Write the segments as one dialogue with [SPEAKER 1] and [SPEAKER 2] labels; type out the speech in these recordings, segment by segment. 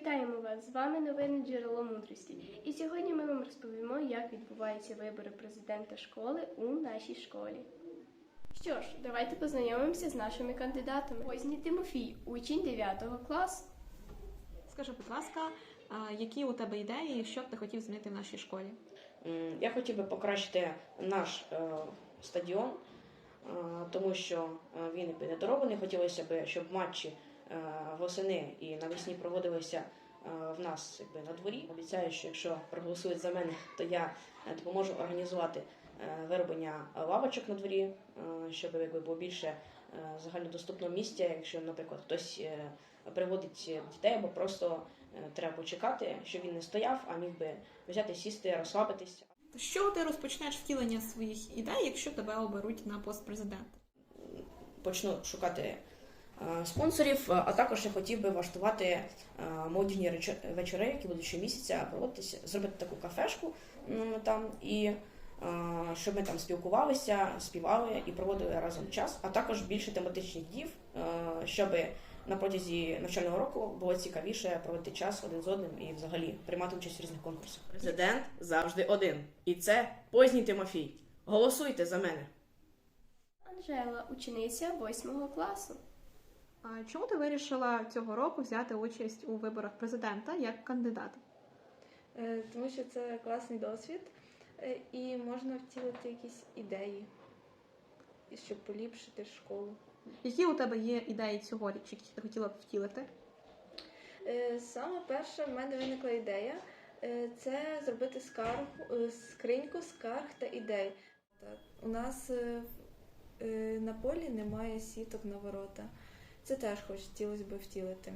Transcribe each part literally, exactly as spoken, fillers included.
[SPEAKER 1] Вітаємо вас! З вами новини «Джерело мудрості». І сьогодні ми вам розповімо, як відбуваються вибори президента школи у нашій школі. Що ж, давайте познайомимося з нашими кандидатами. Позній Тимофій, учень дев'ятого класу.
[SPEAKER 2] Скажи, будь ласка, які у тебе ідеї, що б ти хотів змінити в нашій школі?
[SPEAKER 3] Я хотів би покращити наш е, стадіон, е, тому що він недороблений. Хотілося б, щоб матчі е, восени і навесні проводилися е, в нас якби, на дворі. Обіцяю, що якщо проголосують за мене, то я допоможу організувати е, вироблення лавочок на дворі, е, щоб якби, було більше е, загальнодоступного місця, якщо, наприклад, хтось е, приводить дітей або просто треба почекати, щоб він не стояв, а міг би взяти, сісти, розслабитись.
[SPEAKER 2] Що ти розпочнеш втілення своїх ідей, якщо тебе оберуть на пост президента?
[SPEAKER 3] Почну шукати е, спонсорів, а також я хотів би влаштувати е, молодіжні вечори, які будуть щомісяця проводитися, зробити таку кафешку м, там, і е, щоб ми там спілкувалися, співали і проводили разом час, а також більше тематичних днів, е, щоб на протязі навчального року було цікавіше проводити час один з одним і взагалі приймати участь в різних конкурсах. Президент завжди один. І це Позній Тимофій. Голосуйте за мене.
[SPEAKER 1] Анжела, учениця восьмого класу.
[SPEAKER 2] А чому ти вирішила цього року взяти участь у виборах президента як кандидат?
[SPEAKER 4] Тому що це класний досвід і можна втілити якісь ідеї, щоб поліпшити школу.
[SPEAKER 2] Які у тебе є ідеї цьогоріч, які ти хотіла б втілити?
[SPEAKER 4] Саме перша в мене виникла ідея – це зробити скаргу, скриньку скарг та ідей. У нас на полі немає сіток на ворота. Це теж хотілося б втілити.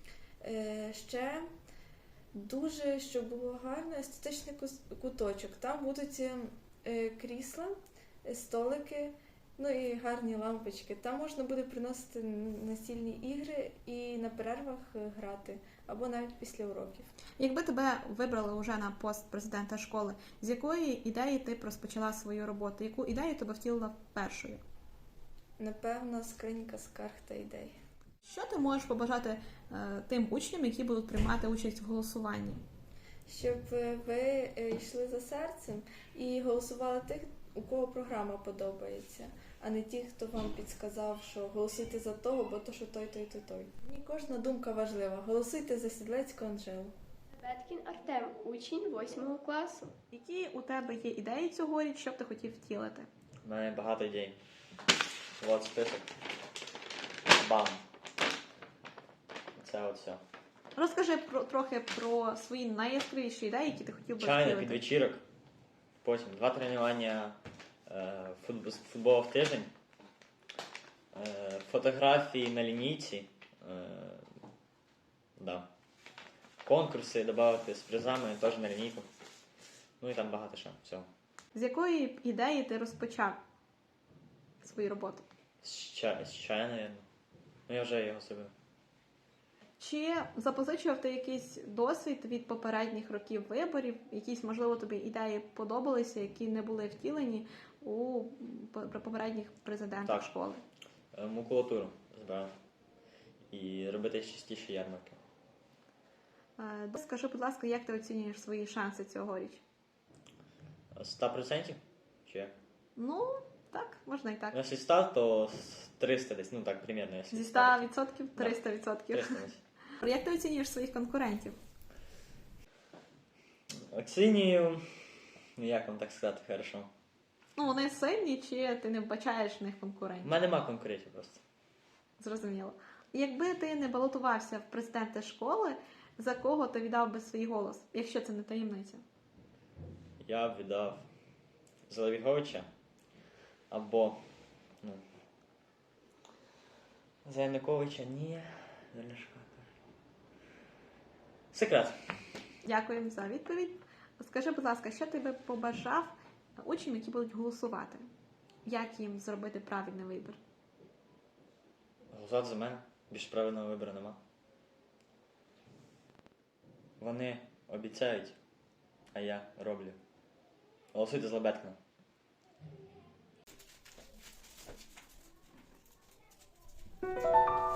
[SPEAKER 4] Ще дуже, щоб було гарно, естетичний куточок. Там будуть крісла, столики, ну і гарні лампочки. Там можна буде приносити настільні ігри і на перервах грати, або навіть після уроків.
[SPEAKER 2] Якби тебе вибрали вже на пост президента школи, з якої ідеї ти б розпочала свою роботу? Яку ідею тебе втілила першою?
[SPEAKER 4] Напевно, скринька скарг та ідей.
[SPEAKER 2] Що ти можеш побажати е, тим учням, які будуть приймати участь в голосуванні?
[SPEAKER 4] Щоб ви йшли за серцем і голосували тих, у кого програма подобається, а не ті, хто вам підсказав, що голосуйте за того, бо то, що той, той, той, той. Мені кожна думка важлива. Голосуйте за Сідлецьку Анжелу.
[SPEAKER 1] Беткін Артем, учень восьмого класу.
[SPEAKER 2] Які у тебе є ідеї цьогоріч, що б ти хотів втілити?
[SPEAKER 5] У мене багато ідей. От список. Бам. Це от все.
[SPEAKER 2] Розкажи про, трохи про свої найяскравіші ідеї, які ти хотів би
[SPEAKER 5] Чайна
[SPEAKER 2] втілити.
[SPEAKER 5] під вечірок. Потім два тренування е, футбол, футболу в тиждень. Е, фотографії на лінійці. Е, да. Конкурси додати з призами теж на лінійку. Ну і там багато ще всього.
[SPEAKER 2] З якої ідеї ти розпочав свою роботу?
[SPEAKER 5] З чаю, з чаю, мабуть. Ну я вже його зробив.
[SPEAKER 2] Чи запозичував ти якийсь досвід від попередніх років виборів? Якісь, можливо, тобі ідеї подобалися, які не були втілені у попередніх президентах
[SPEAKER 5] Так.
[SPEAKER 2] школи?
[SPEAKER 5] Макулатуру збирав. І робити частіше ярмарки.
[SPEAKER 2] Е, Скажи, будь ласка, як ти оцінюєш свої шанси цьогоріч?
[SPEAKER 5] сто відсотків? Чи як?
[SPEAKER 2] Ну, так, можна і так.
[SPEAKER 5] Ну, якщо сто, то триста десь, ну так, примерно. Якщо
[SPEAKER 2] Зі ста відсотків триста відсотків.
[SPEAKER 5] триста десь.
[SPEAKER 2] Як ти оцінюєш своїх конкурентів?
[SPEAKER 5] Оцінюю, ну як вам так сказати, хорошо.
[SPEAKER 2] Ну, вони сильні, чи ти не вбачаєш в них
[SPEAKER 5] У
[SPEAKER 2] конкурентів?
[SPEAKER 5] мене нема конкурентів просто.
[SPEAKER 2] Зрозуміло. Якби ти не балотувався в президенти школи, за кого ти віддав би свій голос, якщо це не таємниця?
[SPEAKER 5] Я б віддав за Левіговича або, ну, за Януковича, ні, за Ляшка. Секрет.
[SPEAKER 2] Дякуємо за відповідь. Скажи, будь ласка, що ти би побажав учням, які будуть голосувати? Як їм зробити правильний вибір?
[SPEAKER 5] Голосувати за мене. Більш правильного вибору нема. Вони обіцяють, а я роблю. Голосуйте за Беткіна.
[SPEAKER 1] Thank you.